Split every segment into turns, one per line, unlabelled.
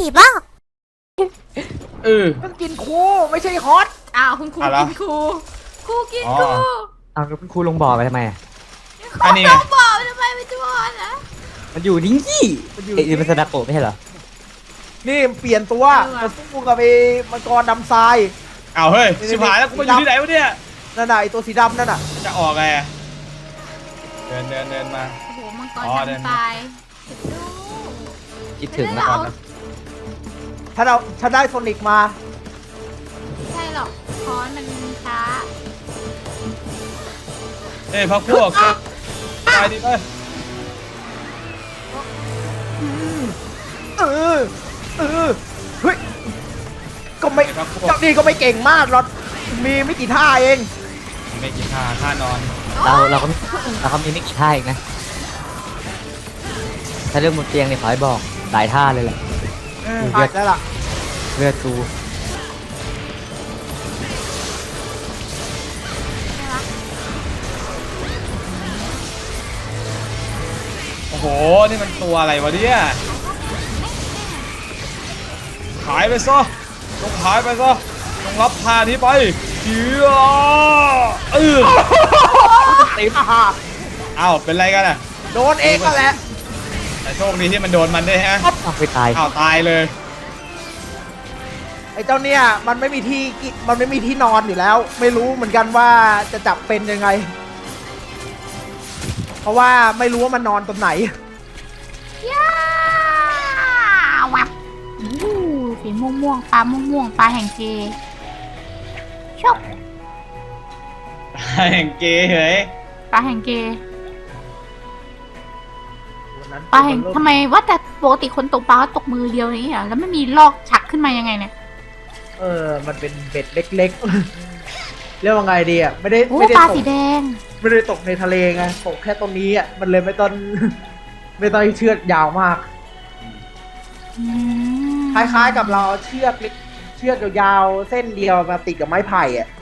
บ้า
ต้องกินคูไม่ใช่ฮอต
อ้าวคุณครูกินครูกินครู
อ้าวแล้วคุณครูลงบ่อไปทำไมอ่ะ
อันนี้ไงบอกทำไมไม่ตัวนะ
มันอยู่นี่ไอ้มันสนาโกะไม่ใช่เหรอ
นี่เปลี่ยนตัวมาสู้กับไอ้มังกรดำทราย
เอาเฮ้ยชิบหายแล้วกูมาอยู่ที่ไหนวะเนี่ย
นั่นน่ะไอ้ตัวสีดำนั่นน่ะ
จะออกไงเดินมา
โอ้โหมังกรดำตาย
คิดถึงนะ
ถ้าได้โซนิกมา
ใช่หรอกคอนมันช้า
เฮ้ยพักพวกตายดิเฮ้ย
เฮ้ยก็ไม่เจ้านี่ก็ไม่เก่งมากหรอกมีไม่กี่ท่าเอง
ไม่กี่ท่านอน
เราก็มีไม่กี่ท่าอีกนะถ้าเรื่องบนเตียงเนี่ยขอให้บอกหลายท่าเลยแหละ
เลือดแล้วล่ะ
เลือดตู
โอ้โหนี่มันตัวอะไรวะเนี่ยหายไปซะต้องหายไปซะต้องรับพานี้ไปเฮีย
ติม
อ้าวเป็นไรกันอ่ะ
โดนเองก็แหละ
แต่โชคดีที่มันโดนมันได้ฮะ
ไปตาย
ตายเลย
ไอ้เจ้าเนี่ยมันไม่มีที่นอนอยู่แล้วไม่รู้เหมือนกันว่าจะจับเป็นยังไงเพราะว่าไม่รู้ว่ามันนอนตรงไหน
ย่าวับสีม่วงปลาม่วงปลาแห่งเกชอบ
ปลาแห่งเกเฮ้ย
ปลาแห่งเกปลาแห่งทำไมว่าแต่ปกติคนตกปลาตกมือเดียวนี้เหรอแล้วไม่มีลอกฉักขึ้นมายังไงเนี่ย
มันเป็นเบ็ดเล็กๆเรียกว่าไงดีอ่ะไม่ได้
ปลาสีแดง
ไม่ได้ตกในทะเลไงตกแค่ตรงนี้อ่ะมันเลยไม่ต้องเชือกยาวมากคล้ายๆกับเราเชือกยาวๆเส้นเดียวมาติดกับไม้ไผ่อ่ะ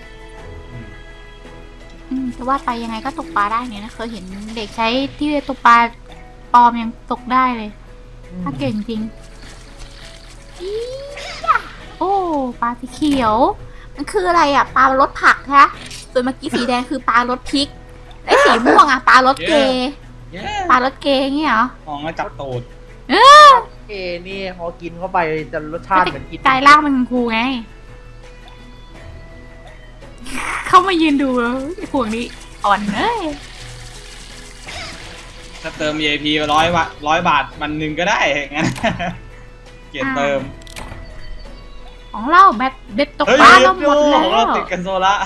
แต่ว่าไปยังไงก็ตกปลาได้เนี่ยนะเคยเห็นเด็กใช้ที่ตกปลาปลอมยังตกได้เลยถ้าเก่งจริงโอ้ปลาสีเขียวมันคืออะไรอ่ะปลารสผักฮะส่วนเมื่อกี้สีแดงคือปลารสพริกไอ้สีม่วงอ่ะปลารสเกปลารสเกเงี้ยเหรอ
มองแล้วจับตูด
เกนี่พอกินเข้าไปจะรสชาติเหมือนกิน
กายล่างมันครูไงเข้ามายืนดูพวกนี้อ่อนเลย
ถ้าเติม VIP 100 บาทมันหนึ่งก็ได้งั้นเกียรเติม
ของเราแบบเด็ดตกปลาเราหมดแล้ว
ของเราติดกันโซล่า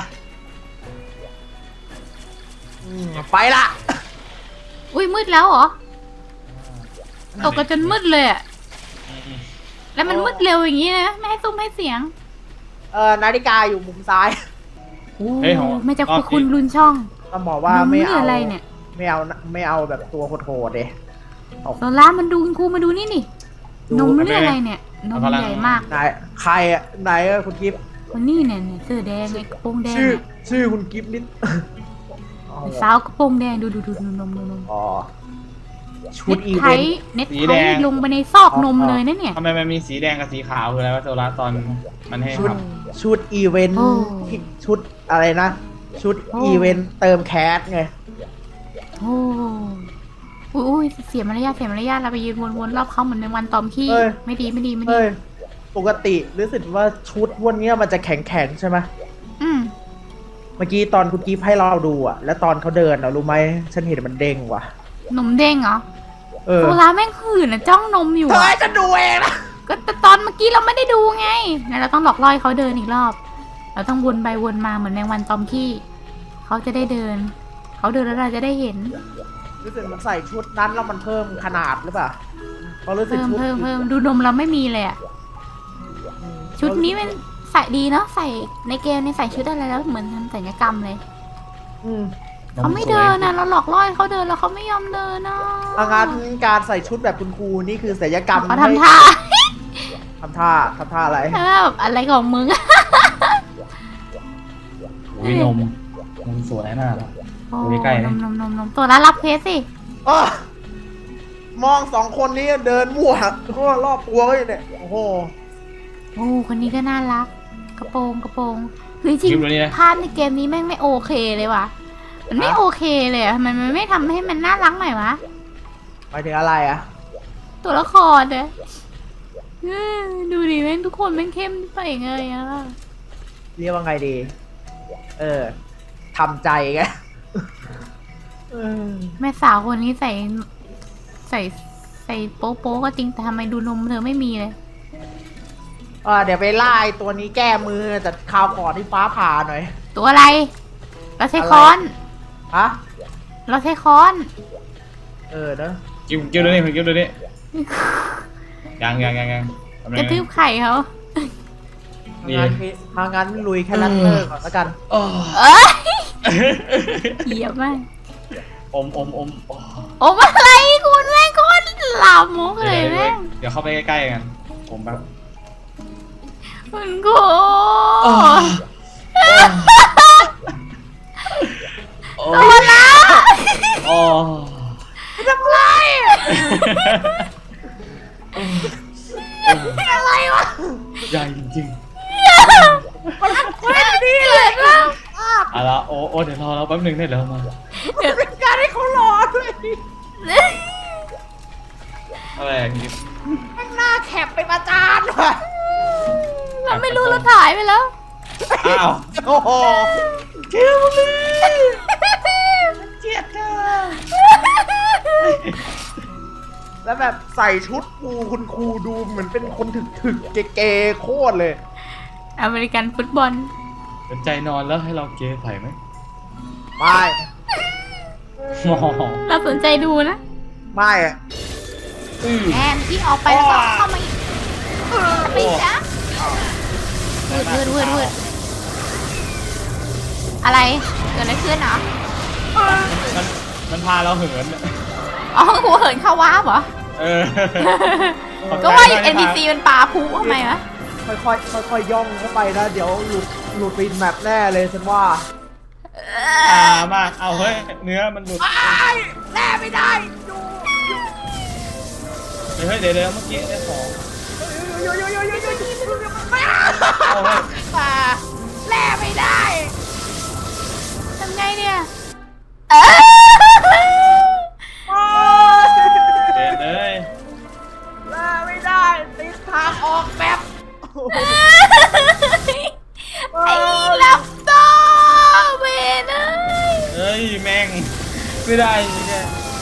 ไปละ
อุ้ยมืดแล้วเหรอตกกันจนมืดเลยอ่ะแล้วมันมืดเร็วอย่างนี้นะไม่ให้ซุ้มให้เสียง
นาฬิกาอยู่มุมซ้าย
ไม่จะคุณรุนช่อง
ต้องบอกว่าไม่เอา
อะไรเนี่ย
ไม่เอาแบบตัวโหดๆเลย
โซล่ามันดูครูมาดูนี่นมนี่อะไรเนี่ยนมใหญ่มาก
ใครอ่ะไหนคุณกิฟต์
คนนี้เนี่ยเสื้อแดงไอ้กระโปรงแดง
ชื่อคุณกิฟต์ลิ้น
สาวกระโปรงแดงดูนม
อ๋อชุดอีเวนต์
เน็ตไทลงไปในซอกนมเลยนะเนี่ย
ทำไมมันมีสีแดงกับสีขาวคืออะไรวะโซล่าตอนมันให้ท
ำชุดอีเวนต์ชุดอะไรนะชุดอีเวนต์เติมแคสไง
อุ้ยเสียมารยาทเราไปยืนวนๆรอบเขาเหมือนในวันตอมขี้ไม่ดี
ปกติรู้สึกว่าชุดวันนี้มันจะแข็งใช่ไหมเมื่อกี้ตอนคุณกิฟต์ให้เราดูอ่ะแล้วตอนเขาเดินรู้ไหมฉันเห็นมันเด้งว่ะ
นมเด้งเหรอโซล่าแม่งหื่นนะจ้องนมอยู่
เธอจะดูเองนะ
ก็ตอนเมื่อกี้เราไม่ได้ดูไงเราต้องหลอกล่อเขาเดินอีกรอบเราต้องวนไปวนมาเหมือนแมงวันตอมขี้เขาจะได้เดินเขาเดินแล้วเราจะได้เห็น
รู้สึกมันใส่ชุดนั้นแล้วมันเพิ่มขนาดหรือเปล่าเขารู้สึก
เพิ่มดูนมเราไม่มีเลยอ่ะชุดนี้มันใส่ดีเนาะใส่ในเกมในใส่ชุดอะไรแล้วเหมือนทำศัลยกรรมเลยเขาไม่เดินนะเราหลอกล่อเขาเดินแล้วเขาไม่ยอมเดินนะ
การใส่ชุดแบบคุณครูนี่คือศัลยกรรม
เขาทำท่า
อะไร
แบบอะไรของมึง
วินมสวยน่าดูใกล้
นมตัวละรับเพสสิ
มองสองคนนี้เดินมั่วทั่วรอบตัวเลยเนี่ยโอ้โห
โอ้คนนี้ก็น่ารัก กระโปรงเฮ้ยจริง
คลิปนี้นะ
ภาพในเกมนี้แม่งไม่โอเคเลยว่ะมันไม่โอเคเลยอะมันไม่ทำให้มันน่ารักหน่อยวะ
หมายถึงอะไรอะ
ตัวละครเนี่ยดูดิแม่งทุกคนแม่งเข้มไปไงอะ
เรียกว่าไงดีทำใจไง
แม่สาวคนนี้ใส่โป๊ก็จริงแต่ทำไมดูนมเธอไม่มีเลย
เดี๋ยวไปไล่ตัวนี้แก้มือแต่คราวก่อนที่ฟ้าผ่าหน่อย
ตัวอะไร เราใช้ค้อน
ฮะ
เราใช้ค้อน
เนอะ
กิ้วดูนี่กิ้วดูนี่ยังทำไม
กระทืบไข่เขา
ทางงานลุยแค่นั้นเลิกก่อนแล้วกัน
โอ้
เอ้ยเหยียบมาก
อม
โอ้อะไรคุณแม่งโคตรหลามมุกเลยแม่ง
เดี๋ยวเข้าไปใกล้ๆกันผมแบบ
คุณกู ตัวละ
โอ้
ทำไรอะไรวะ
ใหญ่จริง
ไม่ดีเลยนะ
ๆเอาละโอ้เดี๋ยวรอเราแป๊บนึงได้แล้วมา
เป็นการให้เขารอด้วย
อะไรอย่างงี้
ข้างหน้าแคปเป็นอาจารย์ว่ะ
เราไม่รู้เราถ่ายไปแล้ว
อ้าว
โอ้โห
เกี่ยวเลย
เจียดเธอแล้วแบบใส่ชุดคุณครูดูเหมือนเป็นคนถึกๆเก๋ๆโคตรเลย
อเมริกันฟุตบอล
สนใจนอนแล้วให้เราเกย์ไผ่ไหม
ไม่
เราสนใจดูนะ
ไม่อะ
แอนที่ออกไปแล้วก็เข้ามาอีกไปจ้ะวืดอะไรเกิดอะไรขึ้นเหรอ
มันพาเราเหิน
อ๋อหัวเหินเข้าว้าบเหรอ
เออ
ก็ว่าอยู่ NPC มันปลาพุทำไมวะ
ค่อยย่องเข้าไปนะ เดี๋ยวหลุดปีนแมปแน่เลยฉันว่า
มากเอาเฮ้ยเนื้อมันหลุด
แน่ไม่ได้ดู
เฮ้ยเดี๋ยวเมื่อกี้ได้ของ
ไม่
เอาเฮ้ย
แน่ไม่ได้
ทำไงเนี่ย
เดี๋ยวเลย
แน่ไม่ได้ติดทางออกแบบ
ไอ้ลับโตเวนเอ้ย
เฮ้ยแม่งไม่ได้เนี่ย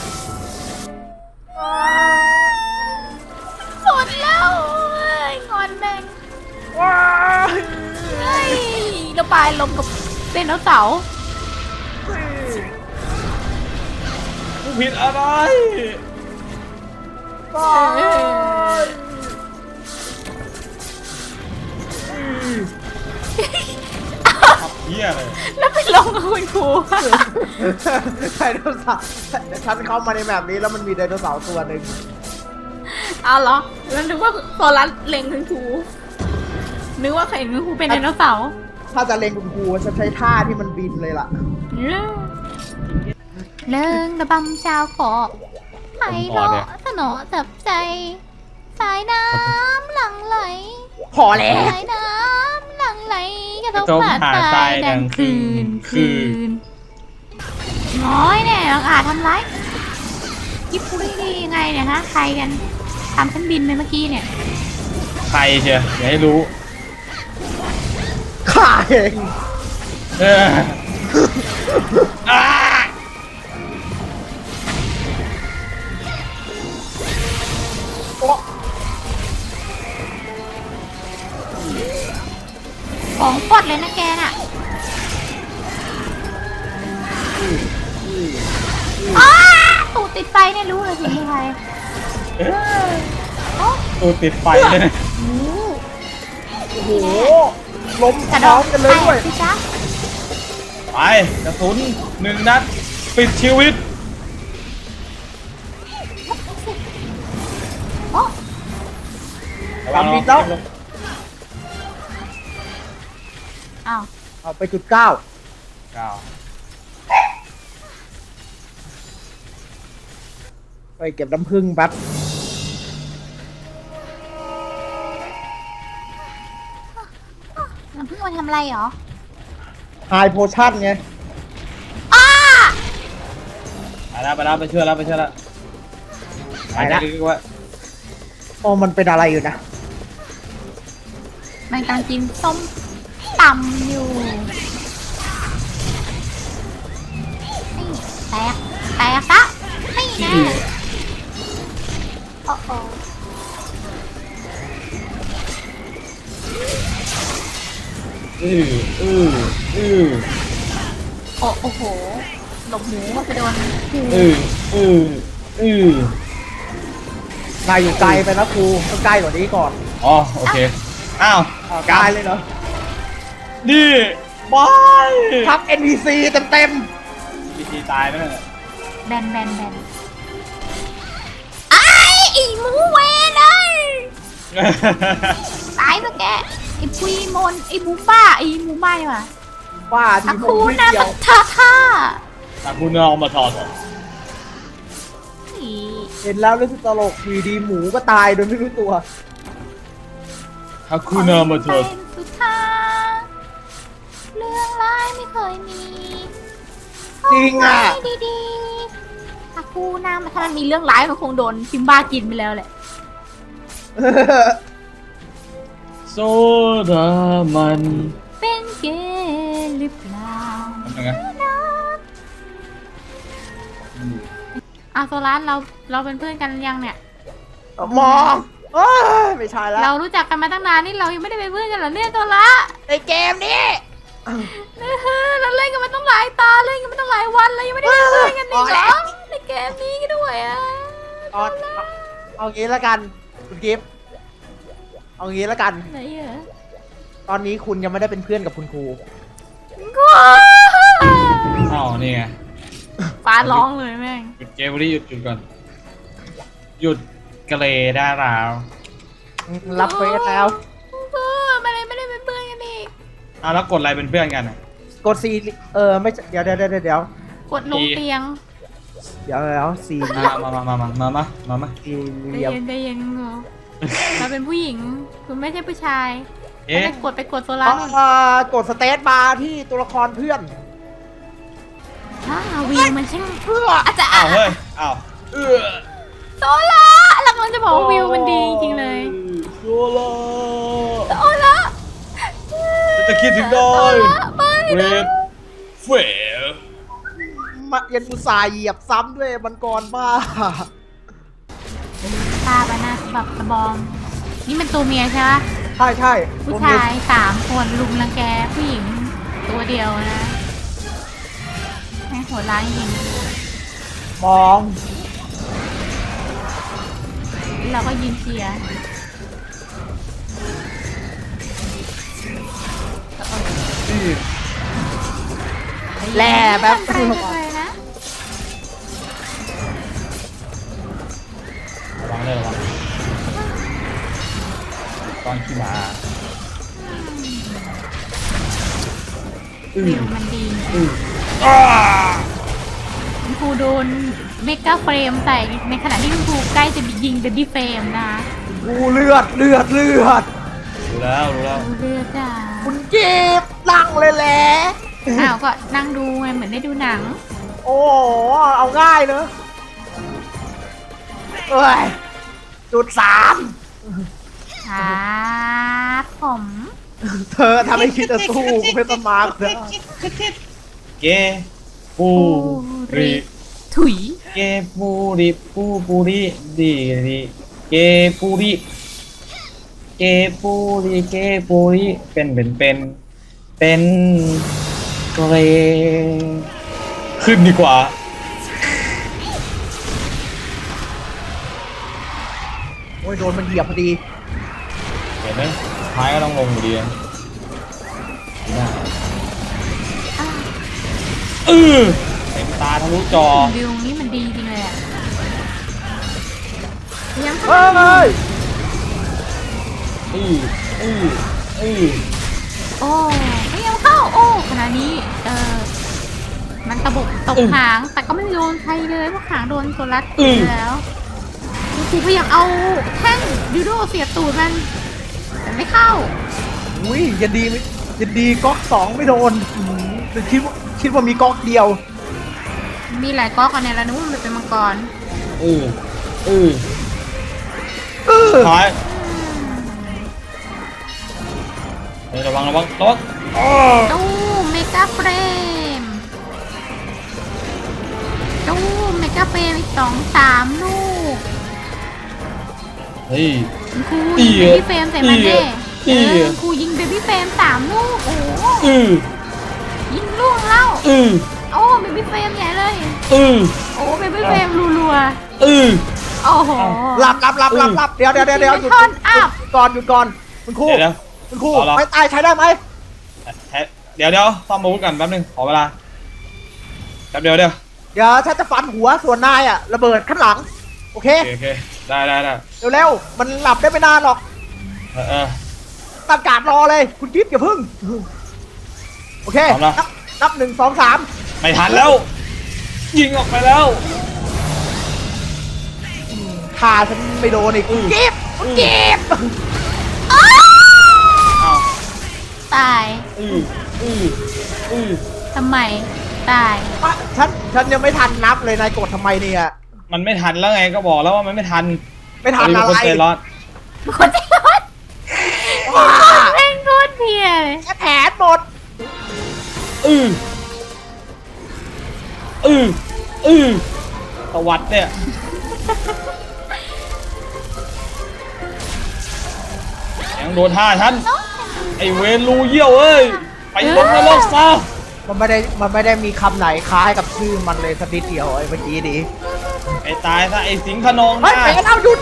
สุดแล้วเอ้ยงอนแม่ง
ว้า
เฮ้ยระบายลมกับไดโนเสาร์
กูผิดอะไร
บ้า
ขับเหี้ยเลย
แล้วไปลงกับคุณครู
ไดโนเสาร์ฉันเข้ามาในแบบนี้แล้วมันมีไดโนเสาร์ตัวหนึ่ง
เอาเหรอแล้วนึกว่าโซลัสเล็งคุณครูนึกว่าใครคุณครูเป็นไดโนเสาร์
ถ้าจะเล็งคุณครูฉันใช้ท่าที่มันบินเลยล่ะ
เลิงระบำชาวเกาะไพเราะสนอจับใจ สายน้ำหลั่งไหล
พอแล้ว
สายน้ำหลั่งไหลกระทบหาดทรายดังคืนน้อยเนี่ยน้องอาทำไรกิ๊บปุ้ยดียังไงเนี่ยฮะใครกันทำฉันบินไปเมื่อกี้เนี่ย
ใครเชียวอย่าให้รู้
ข้าเอง
เอออ่า
โอ้
ของปดเลยนะแกน่ะอ้าตูดติดไฟเนี่ยรู้เลยสิเป็นใคร
ตูดติดไฟเลยนะ
โหล้ม
กระ
พ
โด
ร้อ
ด
มกันเลยด้วย
สิจ๊ะ
ไปกระสุน1 นัดปิดชีวิต
โอ้
ตามบินแล้ว
อ้าว
เอาไปจุด 9
ก้าว
ไปเก็บน้ำผึ้งแป๊บ
น้ำพึ่งมาทำอะไรหรอ
ไฮโพชั่นไง
ไปแล้วไปช่วยแล้วไปช่วยแล้ว
ไปแล้ว
ลึกๆว่า
โอ้มันเป็นอะไรอยู่นะ
มันกำลังกินส้มตำอยู่นี่แตกซะนี่แน่โอ้โห
อืออืออือ
โอ้โหหลบหมูก็ไปโดนหู
อืออืออือน
ายอยู่ไกลไปนะครูต้องใกล้กว่านี้ก่อน
อ๋อโอเคอ้าว
ไกลเลยเหรอ
นี่บาย
ทับ NPC เต็ม
พีทีตายไหมเนี่ย
แบนไอ้หมูเวนเลยตายปะแกไอ้ปุยมนไอ้หมูป้าไอ้หมูไม่ว่ะ
ๆว่า
อา
ที่
คู
ผม
นา
เดีย
มาว ท่า
แต่คุณเอามาถอดเหรอ
อี
เห็นแล้วรู้สึกตลกอยู่ดีหมูก็ตายโดยไม่รู้ตัว
ถ้าคุณเอามาถอด
เป็นสุดท้ายเรื่องร้ายไม่เคยมี
จริงอ่ะ
เอาไว้ดีๆอาคูนามาถ้ามันมีเรื่องร้ายมันคงโดนซิมบ้ากินไปแล้วแหละ
โซดามัน
เป็นเกย์หรือเปล่า
ทำยังไง
โซลานเราเป็นเพื่อนกันยังเนี่ย
มองเอ้ยไม่ใช่แล้ว
เรารู้จักกันมาตั้งนานนี่เรายังไม่ได้เป็นเพื่อนกันเหรอเนี่ยโซละ
ในเกมนี้
เราเล่นกันมาต้องหลายตาเล่นกันมาต้องหลายวันแล้วยังไม่ได้เป็นเพื่อนกันอีกเหรอในเกมนี้ด้วยอ่ะ
เอางี้แล้วกันคุณกิฟต์เอางี้แล้วกัน
ไหนอ่ะ
ตอนนี้คุณยังไม่ได้เป็นเพื่อนกับคุณครู
อ้าวนี่ไง
ฟ้าร้องเลยแม่ง
หยุดเกมนี้หยุดก่อนหยุดกระเลได้แล้ว
รับเฟซแล้ว
ไม่ได้เป็นเพื่อนกันอีก
อ้าวแล้วกดอะไรเป็นเพื่อนกันอ่ะ
กดซีไม่ใช่เดี๋ยว
กดลงเตียง
ซี
มา
สี่เห
ใจ
ลี่ยม
เย็นงูเราเป็นผู้หญิงคุณไม่ใช่ผู้ชาย
เอ๊ะ
ไปกดโซลาร์
กดสเตตบาร์ที่ตัวละครเพื่อน
วิวมันช่าง
เพื่อ
อาจจะ
อ้าวเฮ้ยอ้าว
โซลาร์เรากำลังจะบอกว่าวิวมันดีจริงๆเลย
โซล่า
โซลาร์
จะคิดถึงได้
ไม่
เว
นะ
ทเฟล
มาเย็นอุตส่าห์เหยียบซ้ำด้วยมันกรบ้า
ตาบานาแบบสะบอม นี่มันตัวเมียใช่ไหม
ใช่
ผู้ชาย3 คนลุมรังแกผู้หญิงตัวเดียวนะแม่งโหดร้ายจริง
มอง
เราก็ยืนเชียร์
แหล่แบบ
ไปเลยนะ
ระวังเลยระวังตอนขี่ม้า
วิวมันดี
อ้า
คุณครูโดนเมกาเฟรมใส่ในขณะที่คุณครูใกล้จะยิงเดดดี้เฟรมนะ
กูเลือด
รู้แล้วรู้แล้ว
ดูเลือดจ้า
คุณกีบนั่งเลยแหละ
อ้าวก็นั่งดูไงเหมือนได้ดูหนัง
โอ้โหเอาง่ายเนอะเอ้ยจุด3
ครับผม
เธอทำให้คิดจะสู้กูเป็นสมาร์ทนะ
เกปูริ
ถุย
เกปูริปูริดีดีเกปูริเกปูริเป็นเกรขึ้นดีกว่า
โอ้ยโดนมันเหยียบพอดี
เห็นไหมท้ายก็ต้องลงอยู่ดีเต็มตาทะลุจอ
วิวนี้มันดีจริงเลยอ่ะยัง
เฮ้ย
โอ้ไม่ยังเข้า โอ้ขณะนี้มันตะบกตกหาง แต่ก็ไม่โดนใครเลยเพราะหางโดนตัวรัดแล้วครูพยายามเอาแท่งยูโดเสียบตูดมันแต่ไม่เข้า
อุ้ยยันดีไม่ยันดีก๊อก2ไม่โดนแต่คิดว่ามีก๊อกเดียว
มีหลายก๊อกอันเนี้ยแล้วนึกว่ามันเป็นมังกร
ถอยระวัง
ตู้เมกาเฟรมตู้เมกาเฟรมอีก2-3 ลูก
เฮ้ย
คุณครูยิงเบบี้เฟรมใส่มันแน่คุณครูยิงเบบี้เฟรม3 ลูก โอ้โหยิงลูกแล้วโอ้เบบี้เฟรมใหญ่เลยโอ้เบบี้เฟรมรัวๆโอ้โห
หลับเดี๋ยวหยุด
ท่อนอัพ
หยุดก่อนคุณครูไม่ตายใช้ได้ไหม
เดี๋ยวซ่อมอาวุธกันแป๊บนึงขอเวลาแป๊บเดียว
เดี๋ยวฉันจะฟันหัวส่วนนายอะระเบิดข้างหลังโอเค
โอเคได้
เร็วๆมันหลับได้ไม่นานหรอกตั้งการรอเลยคุณกิ๊ฟอย่าพึ่งโอเคนับ1 2 3
ไม่ทันแล้วยิงออกไปแล้ว
ขาฉันไม่โดนอีกคุณกิ๊ฟ
อ้าว
ตายทำไมตาย
ฉันยังไม่ทันนับเลยนายกดทำไมเนี่ย
มันไม่ทันแล้วไงก็บอกแล้วว่ามันไม่ทัน
อะไร
คนใจร้อน
คนใจร้อนเร่งรวดเพียเลย
แค่แผลหมด
ตวัดเนี่ยยังโดนท่าฉันไอเวรลูเยี่ยวเอ้ยไปลงนรกซะ
มันไม่ได้มีคำไหนคล้ายกับชื่อมันเลยสักนิดเดียวไอ้เมื่อกี้ดี
ไอตายซะไอสิงห์ขนอง
เฮ้ยเป๋แล้วหยุด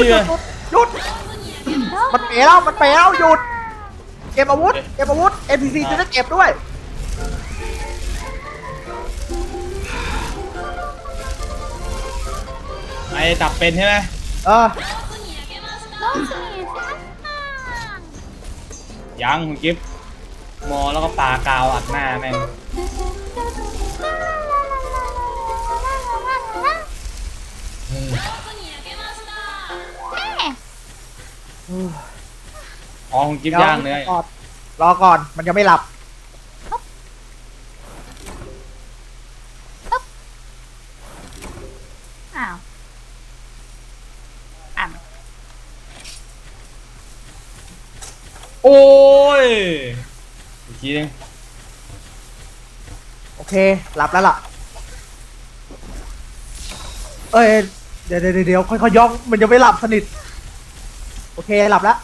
มันเป๋แล้วหยุดเก็บอาวุธ NPC จะได้เก็บด้วย
ไอจับเป็นใช่ไหม ยังคุณกิฟต์มอแล้วก็ปากาวอัดหน้าแม่งอ๋อคุณกิฟต์ย่างเลย
รอก่อนมันยังไม่หลับ
อ้าวอ่ะ
โอ้ยอีกทีนึง
โอเคหลับแล้วล่ะเดี๋ยวค่อยๆย่องมันยังไม่หลับสนิทโอเคหลับแล้ว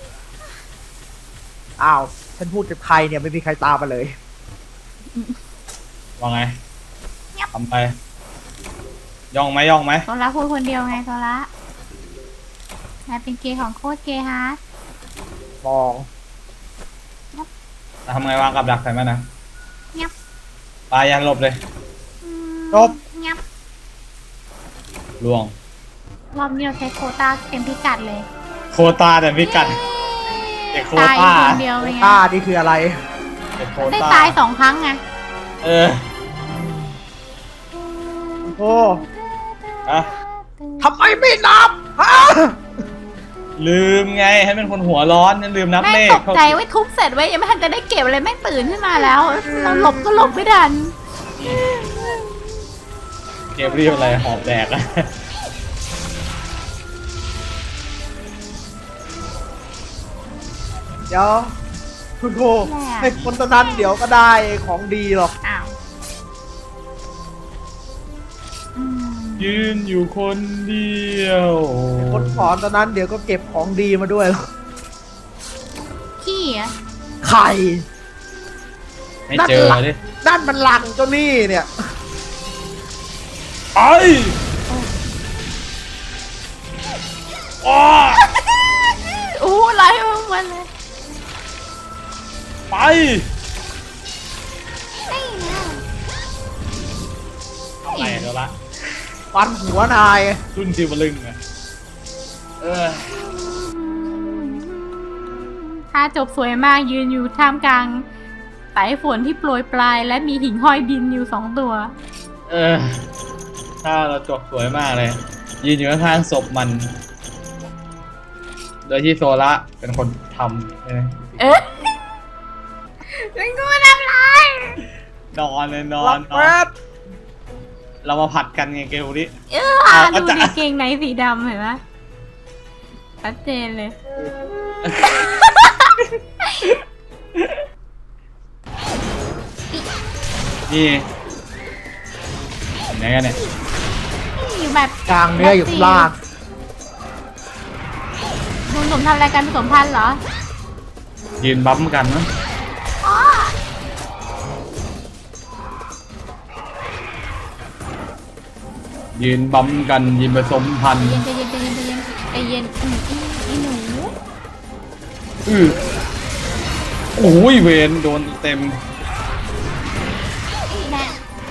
อ้าวฉันพูดกับใครเนี่ยไม่มีใครตามมาเลย
ว่าไงทำไปย่องไหม
โซล่าพูดคนเดียวไงโซล่านายเป็นเกย์ของโคตรเกย์ฮาร์ด
มอง
ทำไงวางกับดักใส่มันนะ
เงียบ
ปลายันหลบเลย
จบ
เงียบ
ล่วง
รอบนี้เราใช้โควต้าเต็มพิกัดเลย
โคตาแต่พิกัดเด็กโค
ตาย
ตา
คนเดียวเลยไง
ต้านี่คืออะไร
เด็กโค
ได้
ตา
ตาย2 ครั้งไง
เออ
โอ้
อะ
ทำไมไม่นับฮะ
ลืมไงให้เป็นคนหัวร้อนนั่นลืมนับ
แม่
เล
ง
ข
ตกใจไว้ทุบเสร็จไว้ยังไม่ทันจะได้เก็บอะไรแม่งตื่นขึ้นมาแล้วเราหลบก็หลบไม่ทัน
เกมเรียกอะไรหอบแดกอะ
เดี๋ยวคุณครูให้คนตอนนั้นเดี๋ยวก็ได้ของดีหรอก
อ้าวอืม
ยืนอยู่คนเดียว
คนสอนตอนนั้นเดี๋ยวก็เก็บของดีมาด้วยหรอก
ขี้อะ
ไข่
ไม่เจอดิ
นั่นมันหลังเจ้านี่เนี่ย
ไปอ้อ
อู้ไล่มันเลย
ไป
ไม่นะ
อะไรเดี๋ยวละ
ฟันหัวนาย
รุ่นจิวลึงอะ
ท่าจบสวยมากยืนอยู่ท่ามกลางสายฝนที่โปรยปลายและมีหิ่งห้อยบินอยู่2 ตัว
ถ้าเราจบสวยมากเลยยืนอยู่ข้างๆศพมัน โดยที่โซละเป็นคนทำใช่ไหม
เอ๊ะเป็นกูทำไร
นอนเลยนอ
รั
น
บ
นอ
แป๊
น
บ
เรามาผัดกันไงเกลดิ
ดูดิเกงในสีดำเห็นไหมชัดเจนเลย
นี่ไหนกันเนี่ย
อยู่แบบ
กลางเนื้ออยู่ล่าง
ดูหนุ่มทำอะไรกันผสมพันธุ์เหรอ
ยืนบั๊มกันนะ
อ๋อ
ยืนบั๊มกันยืนผสมพันธุ์
ใจเย็นใจเย็นใจเย็นใจเย็นอีหนู
โอ้ยเวนโดนเต็ม
อีแน่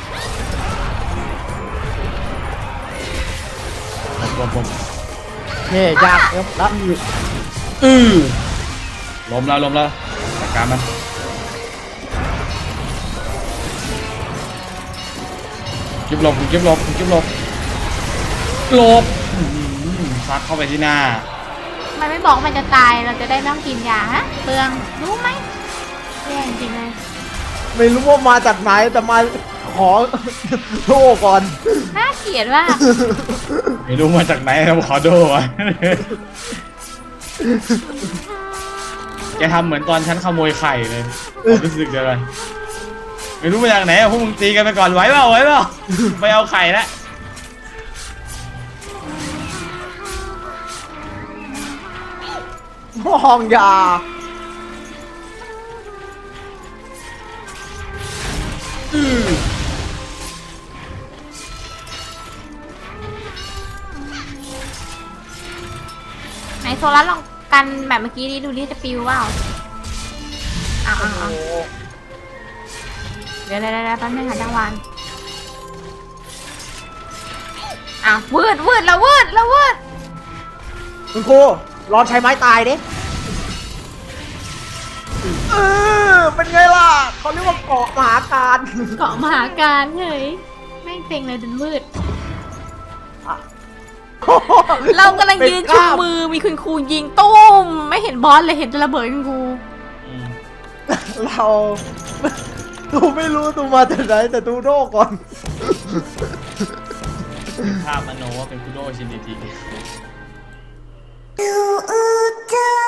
นี่ยากครับรับ
ล้มแล้วจัดการมันกิ๊บหลบซัดเข้าไปที่หน้า
มันไม่บอกมันจะตายเราจะได้ไม่ต้องกินยาฮะเปลืองรู้ไหมแย่จริงเลย
ไม่รู้ว่ามาจากไหนแต่มาขอโทษก่อน
น่าเกลียดว่าก
ไม่รู้มาจากไหนครับขอโทษ แกทำเหมือนตอนฉันขโมยไข่เลยความรู้สึกเดียวกันไม่รู้มาจากไหนอะพวกมึงตีกันไปก่อนไหวเปล่าไปเอาไข่แล้ว
ห้องยา
ไหนโซล่าลองกันแบบเมื่อกี้ดิดูดิจะปิวเปล่าอ้าวเดี๋ยวแป๊บนึงค่ะจังหวานอ้าววืดแล้ววืด
คุณครูรอนใช้ไม้ตายดิเป็นไงล่ะเขาเรียกว่าเกาะมหาการ
เกาะมหาการเฮ้ยแม่งเซ็งเลยจนวืด เรากำลังยืนชูมือมีคุณครูยิงตุ้มไม่เห็นบอสเลยเห็นแต่ระเบิดคุณครู
เราตูไม่รู้ตูมาจากไหนแต่ตูโดก่อน
ภาพมโนว่าเป็นคุโดชินดิจิ
You